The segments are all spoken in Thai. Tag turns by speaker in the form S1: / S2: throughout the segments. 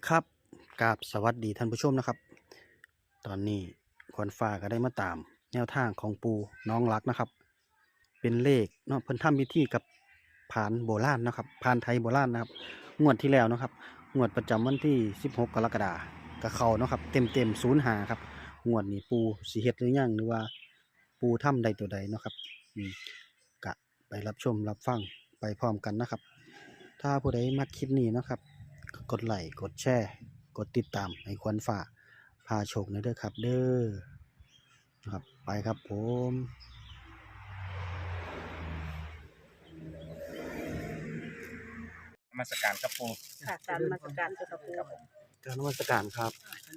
S1: ครับกราบสวัสดีท่านผู้ชมนะครับตอนนี้ควรฟ้าก็ได้มาตามแนวทางของปูน้องรักนะครับเป็นเลขเนาะเพิ่นทำพิธีกับผานโบราณนะครับผานไทยโบราณนะครับงวดที่แล้วนะครับงวดประจำวันที่16กรกฎาคมกับเขาเนาะครับเต็ม05ครับงวดนี้ปูสิเฮ็ดหรือยังหรือว่าปูทำใดตัวใดเนาะครับกะไปรับชมรับฟังไปพร้อมกันนะครับถ้าผู้ใดมักคลิปนี้เนาะครับ กดไลค์กดแชร์กดติดตามให้ควรฝ่าพาโชคในเด้อครับเด้อนะครับไปครับผม
S2: นมัสการครับปู
S3: ค่ะการนมัสการเจ้าค่ะปู่
S1: การนมัสการครับ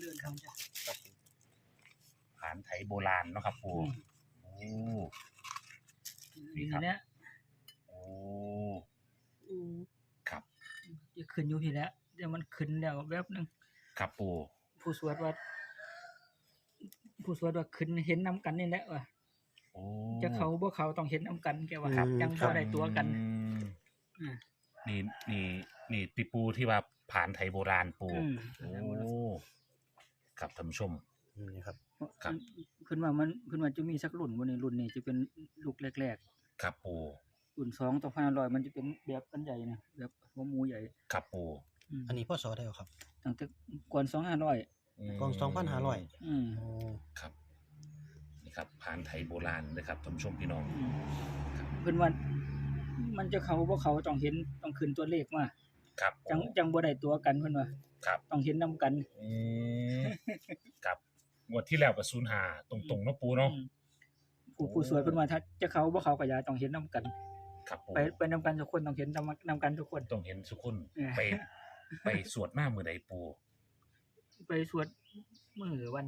S2: ผานไถโบราณเนาะครับปูโอ้นี่ครับโอ้ครับ
S4: จะขึ้นอยู่ที่แล้วเดี๋ยวมันขึ้นแล้วแวบนึง
S2: ครับปู
S4: ผู้สวดว่าขึ้นเห็นนำกันนี่แหละว่า
S2: โอ้
S4: จะเขาบ่เขาต้องเห็นนำกันแกว่ายังบ่ได้ตัวกัน
S2: นี่ติปูที่ว่าผานไถโบราณปูโอ้ครับท่านผู้ชม
S1: นี่ครับ
S2: ครับ
S4: ขึ้นว่าจะมีสักรุ่นบ่นี่รุ่นนี้จะเป็นลูกแรก
S2: ๆครับปู
S4: รุ่น2 2500มันจะเป็นแบบอันใหญ่นะแบบหัวหมูใหญ่
S2: ครับปู
S1: อันนี้พศได้ครับ
S4: ตั้งแต่ก่อน2500
S1: ก่อน2500
S2: โอ้ครับนี่ครับผานไถโบราณนะครับท่านผู้ชมพี่น้อง
S4: ขึ้นว่ามันจะเขาบ่เขาต้องเห็นต้องขึ้นตัวเลขมา
S2: ครับ
S4: จังบ่ได้ตัวกันเพิ่นว่า
S2: ครับ
S4: ต้องเห็นนำกัน
S2: ครับงวดที่แล้วก็05ตรงๆเนาะปูเนาะ
S4: ผู้สวดเพิ่นว่าถ้าจะเขาบ่เขาก็อย่าต้องเห็นนำกัน
S2: ครับปู
S4: ไปนำกันทุกคนต้องเห็นนำกันทุกคน
S2: ต้องเห็นทุกคนไปสวดมามื้อใดปู
S4: ไปสวดมื้อวัน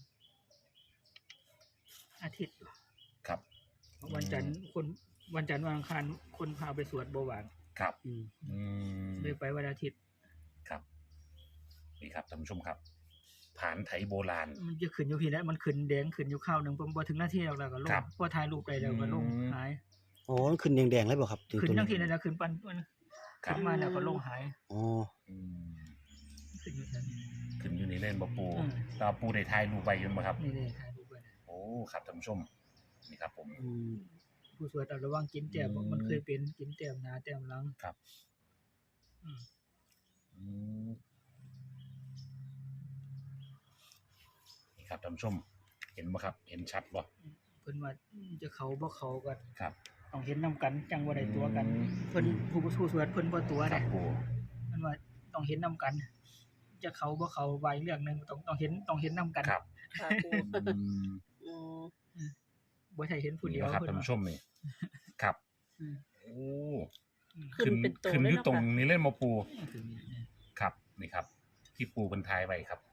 S4: อาทิตย์
S2: ครับ
S4: วันจันทร์วันอังคารคนพาไปสวดบ่ว่าง
S2: ครับ
S4: เลยไปวันอาทิตย์
S2: ครับนี่ครับท่านผู้ชมครับผานไถโบราณ
S4: มันจะขึ้นอยู่พี่แล้วมันขึ้นแดงขึ้นอยู่ข้าวนึงบ่ถึงนาทีแล้วก็ลงพอถ่ายรูปได้แล้วก็ลงหาย
S1: อ๋อขึ้นแดงๆเลยบ่ครับ
S4: ขึ้นจังซี่นั่นน่ะขึ้นปันขึ้นมาแล้วก็ลงหาย
S1: อ๋อ
S2: ขึ้นอยู่นี่เล่นบ่ปูตาปูได้ถ่ายรูปไว้อยู่บ่ครับ
S4: นี่ถ่ายรูปไว้
S2: โอ้ครับท่านผู้ชมนี่ครับผม
S4: ผู้สวดระวังกินแต้มมันเคยเป็นกินแต้มหน้าแต้มหลัง
S2: ครับนี่ครับท่านผู้ชมเห็นบ่ครับเห็นชัดบ่
S4: เพิ่นว่าจะเขาบ่เขาก็
S2: ครับ
S4: ต้องเห็นนำกันจังบ่ได้ตัวกันเพิ่นผู้สวดเพิ่นบ่ตัวได้เพิ่นว่าต้องเห็นนำกันจะเขาบ่เขาไว้เรื่องนึงต้องเห็นนำกัน
S2: ครับ
S3: ค่ะปู่
S4: บ่ใช่เห็นผู้เดียว
S2: ครับท่านผู้ชมนี่ครับโอ้
S3: ขึ้น
S2: อยู่ตรงนี้เล่นบ่ปูครับนี่ครับที่ปูเพิ่นทายไว้ครับ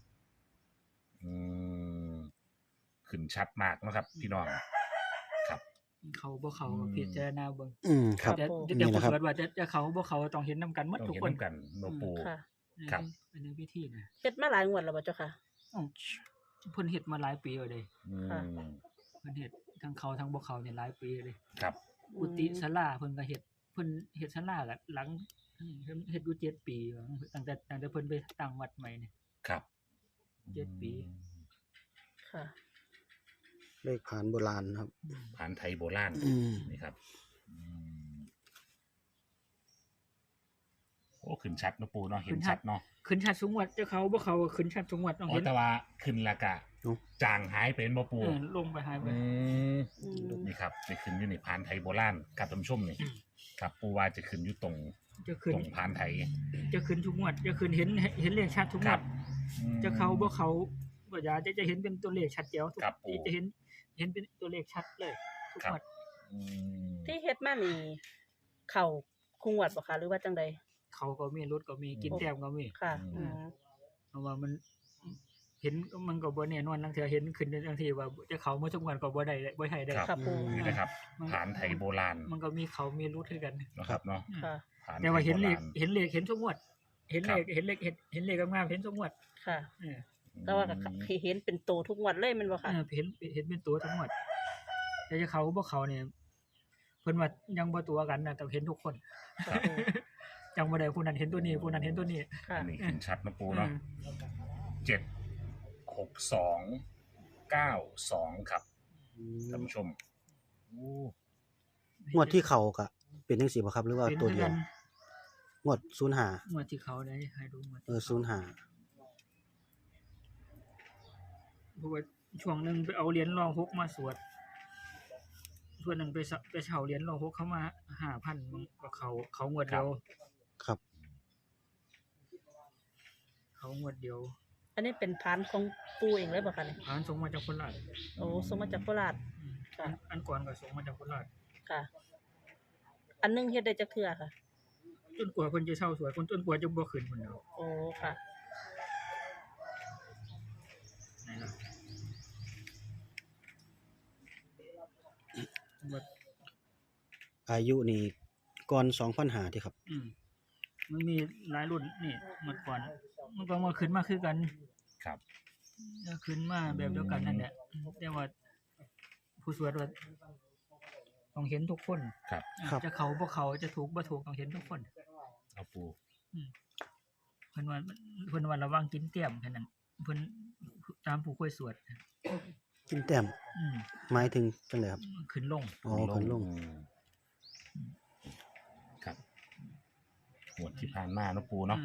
S2: ขึ้นชัดมากนะครับพี่น้องครับ
S4: เขาบ่เขาพิจารณาเบิ่ง
S1: ครับ
S4: นี่แหละครับว่าจะเขาบ่เขาต้องเห็นนำกันหมดทุกคน
S2: ต้องเห็นนำกันบ่ปู
S4: ครับเป็นพิธีนะ
S3: เฮ็ดมาหลายงวดแล้วบ่เจ้าค่ะ
S4: เพิ่นเฮ็ดมาหลายปีแล้วเด้
S3: ค่ะ
S4: เพิ่นเฮ็ดทั้งเขาทั้งบ่เขาเนี่ยหลายปีเลย
S2: ครับ
S4: กุฏิศาลาเพิ่นก็เฮ็ดศาลาก็หลังเฮ็ดอยู่7ปีตั้งแต่เพิ่นไปตั้งวัดใหม่นี่
S2: ครับ
S4: 7ปี
S3: ค่ะ
S1: เลขผานโบราณครับ
S2: ผานไทยโบราณนี่ครับโอ้ขึ้นชัดเนาะปูเนาะเห็นชัดเนาะ
S4: ขึ้นชัดสูงวัดเจ้าเขาบ่เขาขึ้นชัดสูงวัดต้องเห็น
S2: แต่ว่าขึ้นแล้วก็จางหายไปบ่ปู
S4: ลงไปหายไป
S2: นี่ครับจะขึ้นอยู่ในผานไทยโบราณกับท่านผู้ชมนี่ครับปูว่าจะขึ้นอยู่ตรงผานไทย
S4: จะขึ้นทุกงวดจะขึ้นเห็นเลขชัดทุกงวดจะเขาบ่เขาบ่อย่าจะเห็นเป็นตัวเลขชัดแจ๋วทุกจะเห็นเป็นตัวเลขชัดเลยทุกงวด
S3: ที่เฮ็ดมานี่เข้าคุงวัดบ่คะหรือว่าจังได๋
S4: เขาก็มีรถก็มีกินแต้มก็มี
S3: ค่ะ
S4: เพราะว่ามันเห็นมันก็บ่แน่นอนบางเทื่อเห็นขึ้นบางทีว่าจะเขามาทุกวันก็บ่ได้บ่ให้ได้
S3: ครับ
S2: นี่นะครับผานไทยโบราณ
S4: มันก็มีเขามีรถคือกัน
S2: นะครับเนาะ
S4: แต่ว่าเห็นเลขเห็นทุกงวดเห็นเลขงามๆเห็นทุกงวด
S3: ค่ะแต่ว่าก็เห็นเป็นโตทุกงวดเลยมันบ่ค่ะ
S4: เห็นเป็นตัวทุกงวดแต่จะเขาบ่เขาเนี่ยเพิ่นว่ายังบ่ตัวกันนะแต่เห็นทุกคนจำบ่ได้ผู้นั้นเห็นตัวนี้ผู้นั้นเห็นตัวนี้
S3: ค่ะ
S2: อันนี้ขึ้นชัดนะปูเนาะ76292ครับท่านผู้ชมโอ้
S1: งวดที่เขาก็เป็นจังซี่บ่ครับหรือว่า
S4: เป็น
S1: ตัว
S4: คือ
S1: เดีย
S4: กั
S1: วน งวด05
S4: งวดที่เขาได้ให้ดูงวด
S1: 05
S4: เพราะว่าช่วงหนึงไปเอาเหรียญรองหกมาสวดส่วนหนึ่งไปเช่าเหรียญรองหกเข้ามา 5,000มันก็เขางวดเดียว
S1: ครับ
S4: เขางวดเดียว
S3: อันนี้เป็นพานของปูเองเลยบ่คะเนี่ย
S4: ผ่านส่งมาจากโคราช
S3: โอ้ส่งมาจากโคราช
S4: อืม
S3: ค่ะ
S4: อันก่อนก็ส่งมาจากโคราช
S3: ค่ะ อันหนึงเฮ็ดได้จักเทื่อค่ะ
S4: จนกว่าเพิ่นจะเช่าสวยคนจนกว่าจะบ่ขึ้นพุ่นเนาะ
S3: โอ้ค่ะ
S4: นี่ล่ะว่า
S1: อายุนี่ก่อน2005ที่ครับ
S4: มันมีหลายรุ่นนี่เมื่อก่อนมันก็มาขึ้นมาคือกัน
S2: ครับ
S4: ขึ้นมาแบบเดียวกันนั่นแหละแต่ว่าผู้สวดว่าต้องเห็นทุกคน
S2: ครับ
S1: ครับ
S4: จะเขาบ่เขาจะถูกบ่ถูกต้องเห็นทุกคน
S2: เอาปู
S4: เพิ่นว่าระวังกินเตี้ยมแค่นั้นเพิ่นตามผู้ค่อยสวด
S1: กินแต้ม
S4: อืม
S1: หมายถึงจังไดครับ
S4: ขึ้นลง
S1: อ๋อเพิ่นลง
S2: ครับหวดที่ผ่านมาเนาะปูเนาะ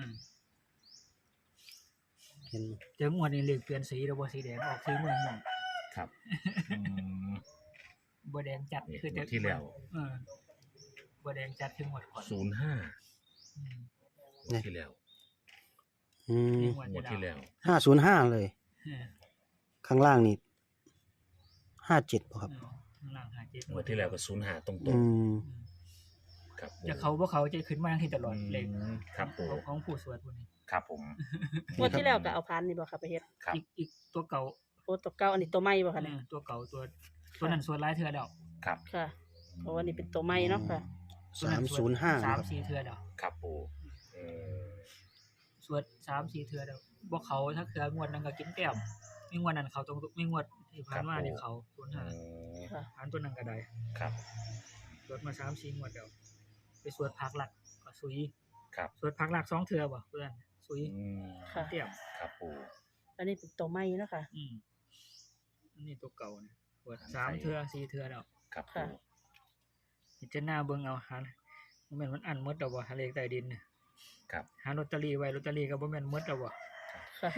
S1: เห็น
S4: เจองวดนี้เลขเปลี่ยนสีแล้วบ่สีแดงออกสีม่วง
S2: ครับอืม
S4: ๆบ่แดงจัด
S2: นี่
S4: คือ
S2: หว
S4: แต่
S2: ดที่แล้ว
S4: บ่แดงจัดคืองวดก่อน
S2: 05
S4: อืม
S2: หวดที่แล้ว
S1: อืม
S4: นี่
S2: หวดที่แล้ว
S1: 505เลย
S4: เออ
S1: ข้างล่างนี่57บ่ครับ
S4: ข้างล่าง57
S2: หวดที่แล้วก็05ตรง
S1: อืม
S2: ๆครับ
S4: จะเขาบ่เขาจะขึ้นมาที่ตลอดเลข
S2: ครับปู
S4: ของผู้สวดพวกนี้
S2: ครับผม
S3: งวดที่แล้วก็เอาพานนี่บ่ค่ะไปเฮ็ด
S2: ครับ
S4: อีกตัวเก่า
S3: โอ้ตัวเก่าอันนี้ตัวใหม่บ่คะเนี่ย
S4: ตัวเก่าตัวนั้นสวดหลายเทื่อแล้ว
S2: ครับ
S3: ค่ะ เพราะว่านี่เป็นตัวใหม่เนาะค่ะ
S4: ตัวนั้นสวด
S1: 305นะครับ
S4: 3-4เทื่อแล้ว
S2: ครับปูเออ
S4: สวด3-4เทื่อแล้วบ่เขาถ้าเทื่องวดนั้นก็กินแต้มมีงวดนั้นเขาตรงมีงวดที่ผ่านมานี่เขา
S2: อื
S4: 05
S2: ม
S3: ค่ะ
S4: ผ่านตัวนั้นก็ได้
S2: ครับ
S4: สวดมา3-4งวดแล้วไปสวดภาคหลักก็สุย
S2: ครับ
S4: สวดภาคหลัก2เทื่อบ่เพื่อนสุย
S2: อืม
S3: ค่ะ
S4: แต้ม
S2: ครับปู
S3: อันนี้เป็นตัวใหม่เนาะค่ะ
S4: อันนี้ตัวเก่านี่สวด3เทื่อ4เทื่อแล้ว
S2: ครับ
S3: ค่ะ
S2: ปู
S4: พิจารณาเบิ่งเอาหาบ่แม่นมันอันหมดดอกบ่หาเลขใต้ดินน่ะ
S2: ครับ
S4: หาลอตเตอรี่ไว้ลอตเตอรี่ก็บ่แม่นหมดดอกบ่
S3: ค่ะ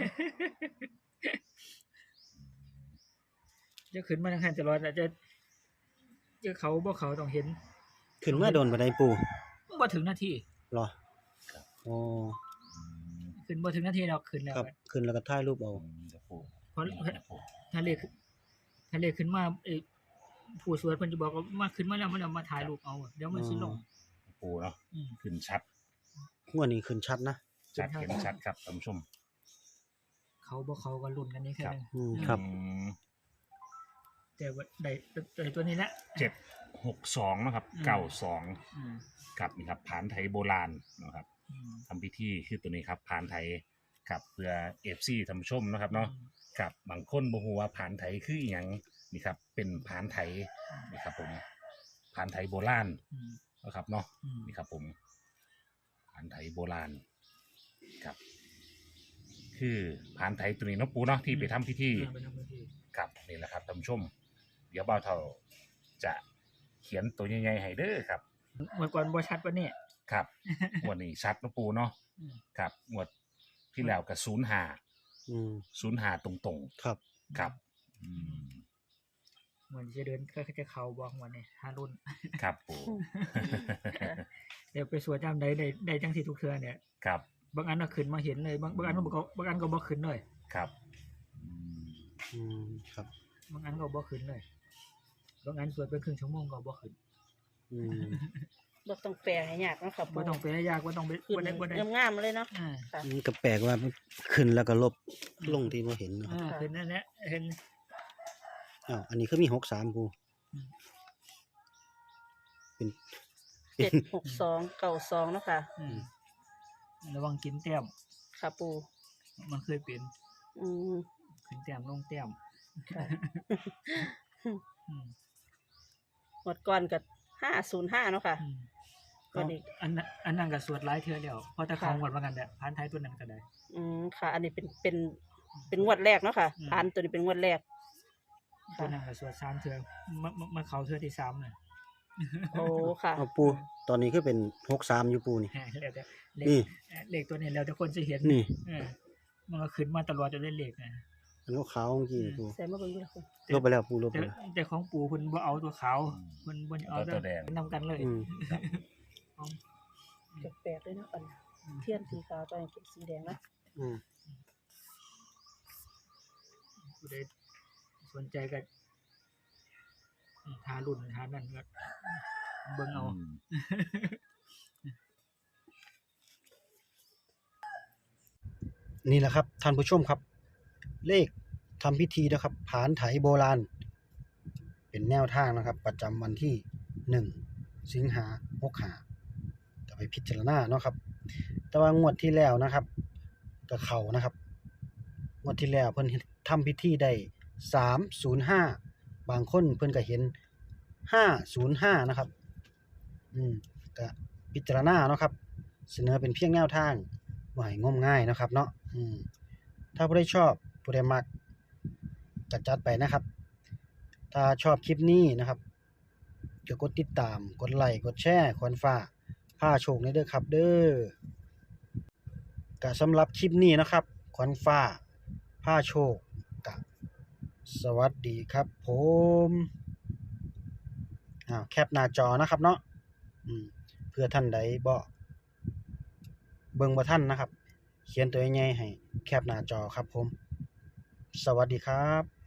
S4: จะขึ้นมาทางหันตลอดอาจจะเขาบ่เขาต้องเห็น
S1: ขึ้นมาโดนบ่ได้ปู
S4: บ่ถึงนาที
S1: เหรออ๋อ
S4: ขึ้นบ่ถึงนาทีดอกขึ้นแล้ว
S1: ครับขึ้นแล้วก็ถ่ายรูปเอา
S2: เดี๋ยวปู
S4: เพราะ
S2: เดี๋ยวปู
S4: ถ้าเลขขึ้นมาผู้สวดเพิ่นจะบอกว่ามาขึ้นมาแล้วมันเอามาถ่ายรูปเอาเดี๋ยวมันสิลง
S2: ปูเนาะ
S4: อืม
S2: ขึ้นชัด
S1: งวดนี้ขึ้นชัดนะ
S2: ชัดเห็นชัดครับท่านผู้ชม
S4: เขาบ่เขาก็ลุ้นกันนี่แค่นั้น
S1: ครับ
S2: อืม
S4: แต่ว่าได้ตัวนี้แหละ
S2: 762นะครับ
S4: อืม
S2: 92
S4: อืม
S2: ครับนี่ครับผานไทยโบราณนะครับ
S4: อืม
S2: ทำพิธีคือตัวนี้ครับผานไทยครับเพื่อ FC ท่านผู้ชมนะครับเนาะกับบางคนบ่ฮู้ว่าผานไทยคืออีหยังนี่ครับเป็นผานไทยนี่ครับผมผานไทยโบราณ
S4: อืม
S2: นะครับเนาะ
S4: อืม
S2: นี่ครับผมผานไทยโบราณครับ คือผานไทยตัวนี้เนาะปูเนาะที่ไปทำพิธี
S4: ไปทำพิธี
S2: ครับนี่แหละครับท่านผู้ชม เดี๋ยวเบาเท่าจะเขียนตัวใหญ่ๆให้เด้อครับ
S4: เมื่อก่อนบ่ชัดปานนี้
S2: ครับ งวดนี้ชัดเนาะปูเนาะ
S4: อืม
S2: ครับงวดที่แล้วก็05
S1: อืม
S2: 05ตรง
S1: ครับ
S2: ๆครับอืม
S4: เหมือนจะเดินก็จะเข้าบ่วันนี้หารุ่น
S2: ครับปู
S4: เดี๋ยวไปสวดยามใดได้จังซี่ทุกเทื่อเนี่ย
S2: ครับ
S4: บางอันก็ขึ้นมาเห็นเลยบางอันก็บางอันก็บ่ขึ้นเลย
S2: ครับอืม
S1: อืมครับ
S4: บางอันก็บ่ขึ้นเลยบางอันสวดเป็นครึ่งชั่วโมงก็บ่ขึ้น
S1: อืม
S3: บ่ต้องแปลให้ยากเนาะค่ะ
S4: บ่ต้องไปให้ยากบ่ต้องไป
S3: ขึ้น
S4: บ่ได้
S3: งามๆเลยเนาะ
S4: อ่า
S3: ค่ะ
S1: มันก็แปลกว่าขึ้นแล้วก็ลบลงที่บ่เห็นนะครับ
S4: ขึ้นนั่นแหละเห็น
S1: อ้าวอันนี้คือมี63ปู
S4: อืม
S1: เป็น
S3: 76292เนาะค่ะ
S4: อืมระวังกินแต้ม
S3: ค่ะปู
S4: มันเคยเป็น
S3: อืม
S4: ขึ้นแต้มลงแต้ม
S3: ค่ะ
S4: อืม
S3: หมดก่อนกับ505เนาะค่ะ
S4: อืม
S3: ก็ดี
S4: อันนั้นก็สวดหลายเทื่อแล้วเพราะแต่ของงวดว่ากันแหละพานไทยตัวนั้นก็ได้
S3: ค่ะ อันนี้เป็นงวดแรกเนาะค่ะ
S4: อืม
S3: พานตัวนี้เป็นงวดแรก
S4: ตัวนั้นก็สวด3เทื่อมาเข้าเทื่อที่3น่ะ
S3: โอ้ค่ะ
S1: เอาปูตอนนี้คือเป็น63อยู่ปูนี่
S4: แล้วแต่เล
S1: นี่
S4: ขเลขตัวนี้แล้วแต่คนสิเห็น
S1: นี่
S4: เออมันก็ขึ้นมาตลอดจนได้เลขนะ
S1: อันขาวๆเมื่อกี้นี่ปู
S3: ใส่มาเบิ่งดูค่ะ
S1: ลบไปแล้วปูลบไป
S4: แต่
S1: แล้ว
S4: แต่ของปู่เพิ่นบ่เอาตัวขาวเพิ่นบ่เอา
S2: ตัวแดง
S4: นำกันเลย
S1: อืม
S4: ของ
S3: แปลกๆเลยเนาะอันเทียนสีขาวตอนนี้เป็นสีแดงนะ
S1: อืม
S4: ผู้ใดสนใจก็ทารุ่นทานั่นก็เบิ่งเอา
S1: นี่แหละครับท่านผู้ชมครับ เลขทำพิธีนะครับผานไถโบราณ เป็นแนวทางนะครับ ประจำวันที่1 สิงหาคม65ก็ไปพิจารณาเนาะครับ แต่ว่างวดที่แล้วนะครับก็เข้านะครับงวดที่แล้วเพิ่นทำพิธีได้305บางคนเพิ่นก็เห็น505นะครับก็พิจารณาเนาะครับ เสนอเป็นเพียงแนวทางบ่ให้งมง่ายนะครับเนาะถ้าผู้ใดชอบผู้ใดมักก็จัดไปนะครับ ถ้าชอบคลิปนี้นะครับก็กดติดตามกดไลค์กดแชร์ควรฟ้าพาโชคในเด้อครับเด้อก็สำหรับคลิปนี้นะครับขวัญฟ้าพาโชคก็สวัสดีครับผมแคปหน้าจอนะครับเนาะเพื่อท่านใดบ่เบิ่งบ่ทันนะครับ เขียนตัวใหญ่ๆให้แคปหน้าจอครับผม สวัสดีครับ